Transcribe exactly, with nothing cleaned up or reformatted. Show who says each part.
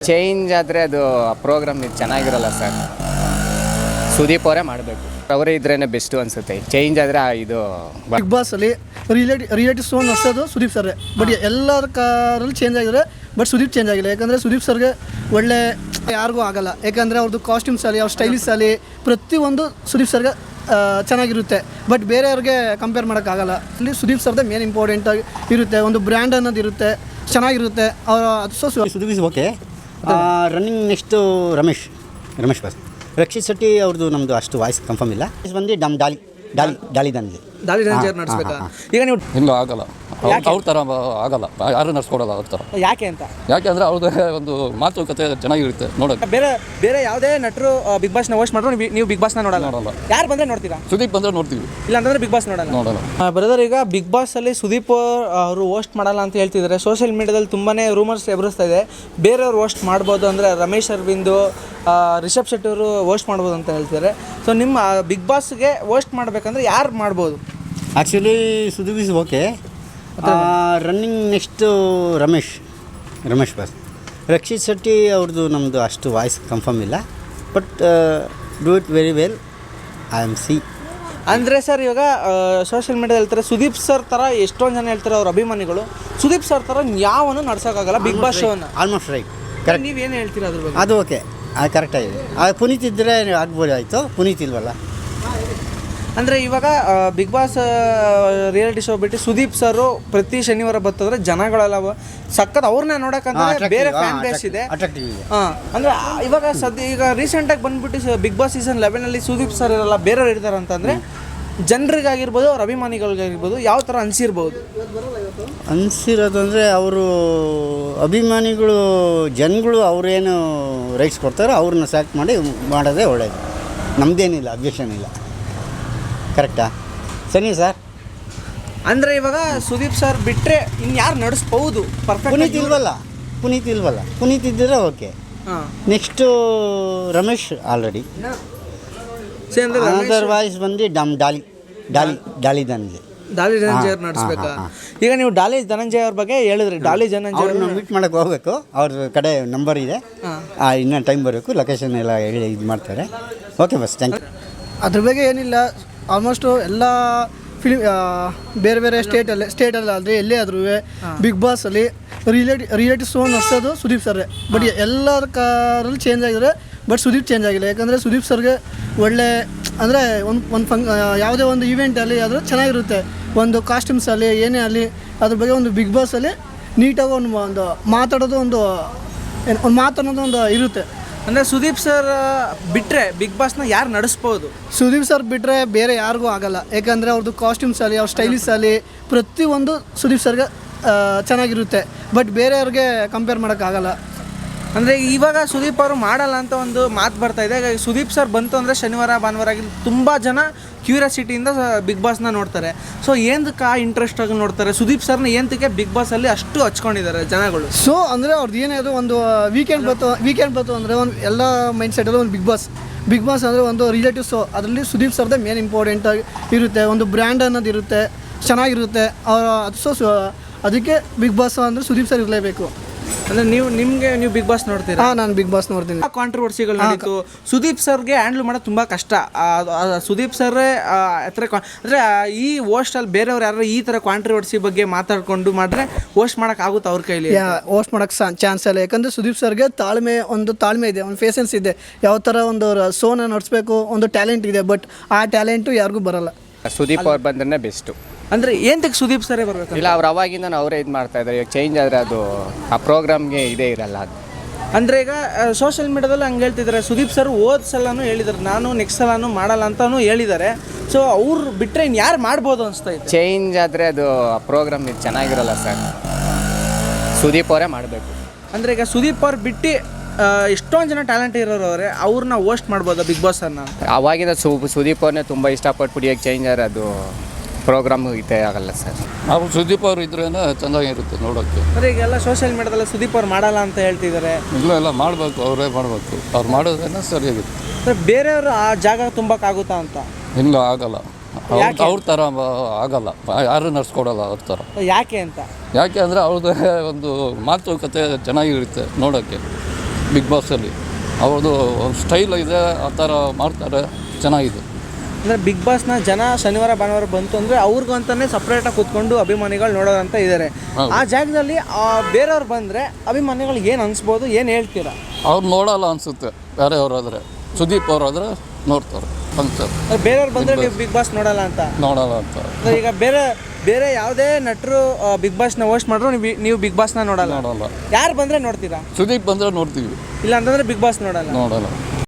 Speaker 1: Change ಆದರೆ ಅದು program ಚೆನ್ನಾಗಿರಲ್ಲ ಸರ್. ಸುದೀಪ್ ಅವರೇ ಮಾಡಬೇಕು, ಅವರೇ ಇದ್ರೇ ಬೆಸ್ಟು ಅನಿಸುತ್ತೆ. ಚೇಂಜ್ ಆದರೆ ಇದು
Speaker 2: ಬಿಗ್ ಬಾಸಲ್ಲಿ ರಿಲೇಟಿ ರಿಯಾಲಿಟಿ ಶೋ ನಡೆಸೋದು ಸುದೀಪ್ ಸರ್ರೆ. ಬಟ್ ಎಲ್ಲರ ಕಾರಲ್ಲಿ ಚೇಂಜ್ ಆಗಿದ್ರೆ, ಬಟ್ ಸುದೀಪ್ ಚೇಂಜ್ ಆಗಿಲ್ಲ. ಯಾಕಂದರೆ ಸುದೀಪ್ ಸರ್ಗೆ ಒಳ್ಳೆ ಯಾರಿಗೂ ಆಗಲ್ಲ. ಯಾಕಂದರೆ ಅವ್ರದ್ದು ಕಾಸ್ಟ್ಯೂಮ್ಸ್ ಆಗಲಿ, ಅವ್ರ ಸ್ಟೈಲಿಸ್ ಆಗಲಿ, ಪ್ರತಿಯೊಂದು ಸುದೀಪ್ ಸರ್ಗೆ ಚೆನ್ನಾಗಿರುತ್ತೆ. ಬಟ್ ಬೇರೆಯವ್ರಿಗೆ ಕಂಪೇರ್ ಮಾಡೋಕ್ಕಾಗಲ್ಲ. ಇಲ್ಲಿ ಸುದೀಪ್ ಸರ್ದೇ ಮೇನ್ ಇಂಪಾರ್ಟೆಂಟ್ ಆಗಿ ಇರುತ್ತೆ. ಒಂದು ಬ್ರ್ಯಾಂಡ್ ಅನ್ನೋದು ಇರುತ್ತೆ, ಚೆನ್ನಾಗಿರುತ್ತೆ. ಅವರ ಅದು so
Speaker 3: Sudeep is okay. Running next Ramesh Ramesh boss. Rakshit Shetty ಅವ್ರದ್ದು ನಮ್ಮದು ಅಷ್ಟು ವಾಯ್ಸ್ ಕನ್ಫರ್ಮ್ ಇಲ್ಲ. ಬಂದು ಡಮ್ ಡಾಲಿ ಡಾಲಿ ಡಾಲಿ ದಾನಿದೆ
Speaker 2: ದಾಳಿ ನಡೆಸಬೇಕಾ ಈಗ ನೀವು?
Speaker 4: ಇಲ್ಲ, ಆಗಲ್ಲ. ಅವ್ರ ಥರ ಆಗಲ್ಲ, ಯಾರು ನಡ್ಸ್ಕೊಡಲ್ಲ ಅವ್ರ ಥರ.
Speaker 2: ಯಾಕೆ ಅಂತ?
Speaker 4: ಯಾಕೆ ಅಂದರೆ ಅವ್ರದ್ದೇ ಒಂದು ಮಾತುಕತೆ ಚೆನ್ನಾಗಿರುತ್ತೆ ನೋಡೋಕೆ.
Speaker 2: ಬೇರೆ ಬೇರೆ ಯಾವುದೇ ನಟರು ಬಿಗ್ ಬಾಸ್ನ ಹೋಸ್ಟ್ ಮಾಡಿದ್ರು ನೀವು ಬಿಗ್ ಬಾಸ್ನ ನೋಡಲ್ಲ?
Speaker 4: ನೋಡಲ್ಲ.
Speaker 2: ಯಾರು ಬಂದರೆ ನೋಡ್ತೀರಾ?
Speaker 4: ಸುದೀಪ್ ಬಂದರೆ ನೋಡ್ತೀವಿ,
Speaker 2: ಇಲ್ಲ ಅಂತಂದರೆ ಬಿಗ್ ಬಾಸ್ ನೋಡಲ್ಲ.
Speaker 4: ನೋಡಲ್ಲ.
Speaker 2: ಬ್ರದರ್, ಈಗ ಬಿಗ್ ಬಾಸಲ್ಲಿ ಸುದೀಪ್ ಅವರು ಹೋಸ್ಟ್ ಮಾಡಲ್ಲ ಅಂತ ಹೇಳ್ತಿದ್ದಾರೆ. ಸೋಷಿಯಲ್ ಮೀಡಿಯಾದಲ್ಲಿ ತುಂಬಾ ರೂಮರ್ಸ್ ಎದುರಿಸ್ತಾ ಇದೆ. ಬೇರೆಯವ್ರು ಹೋಸ್ಟ್ ಮಾಡ್ಬೋದು ಅಂದರೆ ರಮೇಶ್ ಅರವಿಂದು, ರಿಷಬ್ ಶೆಟ್ಟಿ ಅವರು ಹೋಸ್ಟ್ ಮಾಡ್ಬೋದು ಅಂತ ಹೇಳ್ತಿದ್ದಾರೆ. ಸೊ ನಿಮ್ಮ ಬಿಗ್ ಬಾಸ್ಗೆ ಹೋಸ್ಟ್ ಮಾಡಬೇಕಂದ್ರೆ ಯಾರು ಮಾಡ್ಬೋದು?
Speaker 3: Actually Sudeep is okay. Running next Ramesh Ramesh boss. Rakshit Shetty ಅವ್ರದ್ದು ನಮ್ಮದು ಅಷ್ಟು ವಾಯ್ಸ್ ಕನ್ಫರ್ಮ್ ಇಲ್ಲ. But do it very well. I am see
Speaker 2: ಅಂದರೆ ಸರ್, ಇವಾಗ ಸೋಷಿಯಲ್ ಮೀಡಿಯಾದಲ್ಲಿ ಹೇಳ್ತಾರೆ ಸುದೀಪ್ ಸರ್ ಥರ ಎಷ್ಟೊಂದು ಜನ ಹೇಳ್ತಾರೆ ಅವ್ರ ಅಭಿಮಾನಿಗಳು, ಸುದೀಪ್ ಸರ್ ಥರ ಯಾವನು ನಡ್ಸೋಕ್ಕಾಗಲ್ಲ ಬಿಗ್ ಬಾಸ್ ಶೋನ.
Speaker 3: Almost right, correct.
Speaker 2: ನೀವೇನು ಹೇಳ್ತೀರಾ ಅದ್ರ ಬಗ್ಗೆ?
Speaker 3: ಅದು ಓಕೆ, ಅದು ಕರೆಕ್ಟಾಗಿದೆ. ಅದು ಪುನೀತ್ ಇದ್ದರೆ ಆಗ್ಬೋದು, ಆಯಿತು. ಪುನೀತ್ ಇಲ್ವಲ್ಲ.
Speaker 2: ಅಂದರೆ ಇವಾಗ ಬಿಗ್ ಬಾಸ್ ರಿಯಾಲಿಟಿ ಶೋ ಬಿಟ್ಟು ಸುದೀಪ್ ಸರು ಪ್ರತಿ ಶನಿವಾರ ಬರ್ತದ್ರೆ ಜನಗಳೆಲ್ಲ ಸಖತ್ ಅವ್ರನ್ನ ನೋಡೋಕ್ಕಂದ್ರೆ ಬೇರೆ ಫ್ಯಾನ್ ಬೇಸ್ ಇದೆ. ಹಾಂ, ಅಂದರೆ ಇವಾಗ ಸದ್ಯ ಈಗ ರೀಸೆಂಟಾಗಿ ಬಂದ್ಬಿಟ್ಟು ಬಿಗ್ ಬಾಸ್ ಸೀಸನ್ ಲೆವೆನಲ್ಲಿ ಸುದೀಪ್ ಸರ್ ಇರಲ್ಲ, ಬೇರೆಯವ್ರು ಇರ್ತಾರೆ ಅಂತಂದರೆ ಜನರಿಗಾಗಿರ್ಬೋದು, ಅವ್ರ ಅಭಿಮಾನಿಗಳಿಗಾಗಿರ್ಬೋದು ಯಾವ ಥರ ಅನಿಸಿರ್ಬೋದು?
Speaker 3: ಅನಿಸಿರೋದು ಅಂದರೆ ಅವರು ಅಭಿಮಾನಿಗಳು, ಜನಗಳು ಅವ್ರೇನು ರೈಟ್ಸ್ ಕೊಡ್ತಾರೋ ಅವ್ರನ್ನ ಸೆಲೆಕ್ಟ್ ಮಾಡಿ ಮಾಡೋದೇ ಒಳ್ಳೆಯದು. ನಮ್ಮದೇನಿಲ್ಲ, ಅಬ್ಜೆಕ್ಷನ್ ಇಲ್ಲ. ಕರೆಕ್ಟಾ? ಸರಿ ಸರ್.
Speaker 2: ಅಂದರೆ ಇವಾಗ ಸುದೀಪ್ ಸರ್ ಬಿಟ್ಟರೆ ಇನ್ಯಾರು ನಡೆಸ್ಬೋದು? ಪರ್ಫೆಕ್ಟ್.
Speaker 3: ಪುನೀತ್ ಇಲ್ವಲ್ಲ ಪುನೀತ್ ಇಲ್ವಲ್ಲ ಪುನೀತ್ ಇದ್ದರೆ ಓಕೆ.
Speaker 2: ಹಾಂ,
Speaker 3: next Ramesh already. Other voice ಬಂದು ಡಮ್ ಡಾಲಿ ಡಾಲಿ ಡಾಲಿ ದಾನಿದೆ.
Speaker 2: ಡಾಲಿ ಧನಂಜಯ ಅವ್ರು ನಡೆಸ್ಬೇಕಾ? ಈಗ ನೀವು ಡಾಲಿ ಧನಂಜಯ ಅವ್ರ ಬಗ್ಗೆ ಹೇಳಿದ್ರಿ. ಡಾಲಿ ಧನಂಜಯ
Speaker 3: ಅವ್ರನ್ನ ಮೀಟ್ ಮಾಡೋಕ್ಕೆ ಹೋಗಬೇಕು. ಅವ್ರ ಕಡೆ ನಂಬರ್ ಇದೆ, ಇನ್ನೂ ಟೈಮ್ ಬರಬೇಕು. ಲೊಕೇಶನ್ ಎಲ್ಲ ಹೇಳಿ ಇದು ಮಾಡ್ತಾರೆ. ಓಕೆ ಬಸ್, ಥ್ಯಾಂಕ್ ಯು. ಅದ್ರ ಬಗ್ಗೆ ಏನಿಲ್ಲ. ಆಲ್ಮೋಸ್ಟು ಎಲ್ಲ ಫಿಲಿಮ್ ಬೇರೆ ಬೇರೆ ಸ್ಟೇಟಲ್ಲಿ ಸ್ಟೇಟಲ್ಲಿ ಆದರೆ ಎಲ್ಲೇ ಆದ್ರೂ ಬಿಗ್ ಬಾಸಲ್ಲಿ ರಿಲೇಟಿ ರಿಯಾಲಿಟಿ ಶೋ ನಡೆಸೋದು ಸುದೀಪ್ ಸರ್ರೆ. ಬಟ್ ಎಲ್ಲರ ಕಾರಲ್ಲಿ ಚೇಂಜ್ ಆಗಿದ್ರೆ, ಬಟ್ ಸುದೀಪ್ ಚೇಂಜ್ ಆಗಿಲ್ಲ. ಯಾಕಂದರೆ ಸುದೀಪ್ ಸರ್ಗೆ ಒಳ್ಳೆ ಅಂದರೆ ಒಂದು ಒಂದು ಫಂಕ್ ಯಾವುದೇ ಒಂದು ಈವೆಂಟಲ್ಲಿ ಆದರೂ ಚೆನ್ನಾಗಿರುತ್ತೆ. ಒಂದು ಕಾಸ್ಟ್ಯೂಮ್ಸಲ್ಲಿ ಏನೇ ಆಗಲಿ ಅದ್ರ ಬಗ್ಗೆ ಒಂದು ಬಿಗ್ ಬಾಸಲ್ಲಿ ನೀಟಾಗಿ ಒಂದು ಒಂದು ಮಾತಾಡೋದು, ಒಂದು ಒಂದು ಮಾತಾಡೋದು ಒಂದು ಇರುತ್ತೆ. ಅಂದರೆ ಸುದೀಪ್ ಸರ್ ಬಿಟ್ಟರೆ ಬಿಗ್ ಬಾಸ್ನ ಯಾರು ನಡೆಸ್ಬೋದು? ಸುದೀಪ್ ಸರ್ ಬಿಟ್ಟರೆ ಬೇರೆ ಯಾರಿಗೂ ಆಗಲ್ಲ. ಯಾಕಂದರೆ ಅವ್ರದ್ದು ಕಾಸ್ಟ್ಯೂಮ್ಸ್ ಆಗಲಿ, ಅವ್ರ ಸ್ಟೈಲಿಸ್ ಆಗಲಿ, ಪ್ರತಿಯೊಂದು ಸುದೀಪ್ ಸರ್ಗೆ ಚೆನ್ನಾಗಿರುತ್ತೆ. ಬಟ್ ಬೇರೆಯವ್ರಿಗೆ ಕಂಪೇರ್ ಮಾಡೋಕ್ಕಾಗಲ್ಲ. ಅಂದರೆ ಇವಾಗ ಸುದೀಪ್ ಅವರು ಮಾಡಲ್ಲ ಅಂತ ಒಂದು ಮಾತು ಬರ್ತಾ ಇದೆ. ಸುದೀಪ್ ಸರ್ ಬಂತು ಅಂದರೆ ಶನಿವಾರ ಭಾನುವಾರ ಆಗಿ ತುಂಬ ಜನ ಕ್ಯೂರಿಯಾಸಿಟಿಯಿಂದ ಬಿಗ್ ಬಾಸ್ನ ನೋಡ್ತಾರೆ. ಸೊ ಏನಕ್ಕೆ ಆ ಇಂಟ್ರೆಸ್ಟಾಗಿ ನೋಡ್ತಾರೆ? ಸುದೀಪ್ ಸರ್ನ ಏನಕ್ಕೆ ಬಿಗ್ ಬಾಸಲ್ಲಿ ಅಷ್ಟು ಹಚ್ಕೊಂಡಿದ್ದಾರೆ ಜನಗಳು? ಸೊ ಅಂದರೆ ಅವ್ರದ್ದು ಏನೇ ಅದು ಒಂದು ವೀಕೆಂಡ್ ಬಂತು ವೀಕೆಂಡ್ ಬಂತು ಅಂದರೆ ಒಂದು ಎಲ್ಲ ಮೈಂಡ್ ಸೆಟಲ್ಲೂ ಒಂದು ಬಿಗ್ ಬಾಸ್ ಬಿಗ್ ಬಾಸ್ ಅಂದರೆ ಒಂದು ರಿಲೇಟಿವ್ ಶೋ. ಅದರಲ್ಲಿ ಸುದೀಪ್ ಸರ್ದೇ ಮೇನ್ ಇಂಪಾರ್ಟೆಂಟ್ ಆಗಿ ಇರುತ್ತೆ. ಒಂದು ಬ್ರ್ಯಾಂಡ್ ಅನ್ನೋದು ಇರುತ್ತೆ, ಚೆನ್ನಾಗಿರುತ್ತೆ. ಅವರ ಅದು ಸೊ ಅದಕ್ಕೆ ಬಿಗ್ ಬಾಸ್ ಅಂದರೆ ಸುದೀಪ್ ಸರ್ ಇರಲೇಬೇಕು. ಅಂದರೆ ನೀವು ನಿಮಗೆ ನೀವು ಬಿಗ್ ಬಾಸ್ ನೋಡ್ತೀರಾ? ಹಾಂ, ನಾನು ಬಿಗ್ ಬಾಸ್ ನೋಡ್ತೀನಿ. ಕಾಂಟ್ರವರ್ಸಿಗಳು ನಡೀತು. ಸುದೀಪ್ ಸರ್ಗೆ ಹ್ಯಾಂಡ್ಲ್ ಮಾಡೋದು ತುಂಬ ಕಷ್ಟ. ಸುದೀಪ್ ಸರ್ರೇ ಹತ್ರ ಅಂದರೆ ಈ ಹೋಸ್ಟಲ್ಲಿ ಬೇರೆಯವ್ರು ಯಾರು ಈ ಥರ ಕಾಂಟ್ರವರ್ಸಿ ಬಗ್ಗೆ ಮಾತಾಡಿಕೊಂಡು ಮಾಡಿದ್ರೆ ಹೋಸ್ಟ್ ಮಾಡೋಕ್ಕಾಗುತ್ತೆ ಅವ್ರ ಕೈಲಿ? ಹೋಸ್ಟ್ ಮಾಡೋಕ್ಕೆ ಚಾನ್ಸ್ ಇಲ್ಲ. ಯಾಕಂದರೆ ಸುದೀಪ್ ಸರ್ಗೆ ತಾಳ್ಮೆ ಒಂದು ತಾಳ್ಮೆ ಇದೆ, ಒಂದು ಪೇಷನ್ಸ್ ಇದೆ. ಯಾವ ಥರ ಒಂದು ಶೋನ ನಡೆಸಬೇಕು, ಒಂದು ಟ್ಯಾಲೆಂಟ್ ಇದೆ. ಬಟ್ ಆ ಟ್ಯಾಲೆಂಟು ಯಾರಿಗೂ ಬರಲ್ಲ.
Speaker 1: ಸುದೀಪ್ ಅವ್ರು ಬಂದ್ರೆ ಬೆಸ್ಟು.
Speaker 2: ಅಂದರೆ ಏನಕ್ಕೆ ಸುದೀಪ್ ಸರೇ ಬರಬೇಕು?
Speaker 1: ಇಲ್ಲ, ಅವ್ರು ಅವಾಗಿಂದ ಅವರೇ ಇದು ಮಾಡ್ತಾ ಇದ್ದಾರೆ. ಈಗ ಚೇಂಜ್ ಆದರೆ ಅದು ಆ ಪ್ರೋಗ್ರಾಮ್ಗೆ ಇದೇ ಇರಲ್ಲ ಅದು.
Speaker 2: ಅಂದರೆ ಈಗ ಸೋಷಿಯಲ್ ಮೀಡಿಯಾದಲ್ಲಿ ಹಂಗೆ ಹೇಳ್ತಿದ್ದಾರೆ. ಸುದೀಪ್ ಸರ್ ಹೋದ ಸಲನೂ ಹೇಳಿದ್ದಾರೆ ನಾನು ನೆಕ್ಸ್ಟ್ ಸಲನೂ ಮಾಡಲ್ಲ ಅಂತಲೂ ಹೇಳಿದ್ದಾರೆ. ಸೊ ಅವ್ರು ಬಿಟ್ಟರೆ ಇನ್ನು ಯಾರು ಮಾಡ್ಬೋದು ಅನಿಸ್ತಾ ಇದೆ?
Speaker 1: ಚೇಂಜ್ ಆದರೆ ಅದು ಆ ಪ್ರೋಗ್ರಾಮ್ ಚೆನ್ನಾಗಿರಲ್ಲ ಸರ್. ಸುದೀಪ್ ಅವರೇ ಮಾಡಬೇಕು.
Speaker 2: ಅಂದರೆ ಈಗ ಸುದೀಪ್ ಅವ್ರು ಬಿಟ್ಟು ಎಷ್ಟೊಂದು ಜನ ಟ್ಯಾಲೆಂಟ್ ಇರೋರು ಅವರೇ, ಅವ್ರನ್ನ ಹೋಸ್ಟ್ ಮಾಡ್ಬೋದಾ ಬಿಗ್ ಬಾಸ್ ಅನ್ನ?
Speaker 1: ಅವಾಗಿಂದ ಸು ಸುದೀಪ್ ಅವ್ರನ್ನೇ ತುಂಬ ಇಷ್ಟಪಟ್ಬಿಟ್ಟು ಈಗ ಚೇಂಜ್ ಆದರೆ ಅದು ಪ್ರೋಗ್ರಾಮ್ ಇದೇ ಆಗಲ್ಲ ಸರ್.
Speaker 4: ನಾವು ಸುದೀಪ್ ಅವರು ಇದ್ರೇ ಚೆನ್ನಾಗಿರುತ್ತೆ ನೋಡೋಕ್ಕೆ.
Speaker 2: ಅಂದರೆ ಈಗೆಲ್ಲ ಸೋಷಿಯಲ್ ಮೀಡಿಯಾದಲ್ಲಿ ಸುದೀಪ್ ಅವ್ರು ಮಾಡಲ್ಲ ಅಂತ ಹೇಳ್ತಿದ್ದಾರೆ.
Speaker 4: ಇಲ್ಲ ಇಲ್ಲ ಮಾಡಬೇಕು, ಅವರೇ ಮಾಡಬೇಕು. ಅವ್ರು ಮಾಡೋದ್ರೇನೆ ಸರಿಯಾಗುತ್ತೆ.
Speaker 2: ಅಂದರೆ ಬೇರೆಯವರು ಆ ಜಾಗ ತುಂಬಕ್ಕಾಗುತ್ತಾ ಅಂತ?
Speaker 4: ಇಲ್ಲ, ಆಗಲ್ಲ. ಅವ್ರ ಥರ ಆಗಲ್ಲ, ಯಾರು ನಡ್ಸ್ಕೊಡಲ್ಲ ಅವ್ರ ಥರ.
Speaker 2: ಯಾಕೆ ಅಂತ?
Speaker 4: ಯಾಕೆ ಅಂದರೆ ಅವ್ರದ್ದೇ ಒಂದು ಮಾತುಕತೆ ಚೆನ್ನಾಗಿರುತ್ತೆ ನೋಡೋಕ್ಕೆ. ಬಿಗ್ ಬಾಸಲ್ಲಿ. ಅವ್ರದ್ದು ಸ್ಟೈಲ್ ಇದೆ, ಆ ಥರ ಮಾಡ್ತಾರೆ, ಚೆನ್ನಾಗಿದೆ.
Speaker 5: ಅಂದರೆ ಬಿಗ್ ಬಾಸ್ನ ಜನ ಶನಿವಾರ ಭಾನುವಾರ ಬಂತು ಅಂದರೆ ಅವ್ರಿಗೂ ಅಂತಲೇ ಸಪ್ರೇಟಾಗಿ ಕೂತ್ಕೊಂಡು ಅಭಿಮಾನಿಗಳು ನೋಡೋದಂತ ಇದ್ದಾರೆ. ಆ ಜಾಗದಲ್ಲಿ ಬೇರೆಯವ್ರು ಬಂದರೆ ಅಭಿಮಾನಿಗಳಿಗೆ ಏನು ಅನಿಸ್ಬೋದು, ಏನು ಹೇಳ್ತೀರಾ?
Speaker 4: ಅವ್ರು ನೋಡಲ್ಲ ಅನಿಸುತ್ತೆ, ಬೇರೆಯವ್ರಾದರೆ. ಸುದೀಪ್ ಅವರಾದರೆ ನೋಡ್ತಾರೆ ಅನ್ಸುತ್ತೆ.
Speaker 5: ಬೇರೆಯವ್ರು ಬಂದರೆ ನೀವು ಬಿಗ್ ಬಾಸ್ ನೋಡಲ್ಲ ಅಂತ?
Speaker 4: ನೋಡಲ್ಲ ಅಂತ.
Speaker 5: ಈಗ ಬೇರೆ ಬೇರೆ ಯಾವುದೇ ನಟರು ಬಿಗ್ ಬಾಸ್ನ ಹೋಸ್ಟ್ ಮಾಡ್ರು ನೀವು ನೀವು ಬಿಗ್ ಬಾಸ್ನ ನೋಡಲ್ಲ?
Speaker 4: ನೋಡಲ್ಲ.
Speaker 5: ಯಾರು ಬಂದರೆ ನೋಡ್ತೀರಾ?
Speaker 4: ಸುದೀಪ್ ಬಂದರೆ ನೋಡ್ತೀವಿ,
Speaker 5: ಇಲ್ಲ ಅಂತಂದರೆ ಬಿಗ್ ಬಾಸ್ ನೋಡಲ್ಲ.
Speaker 4: ನೋಡಲ್ಲ.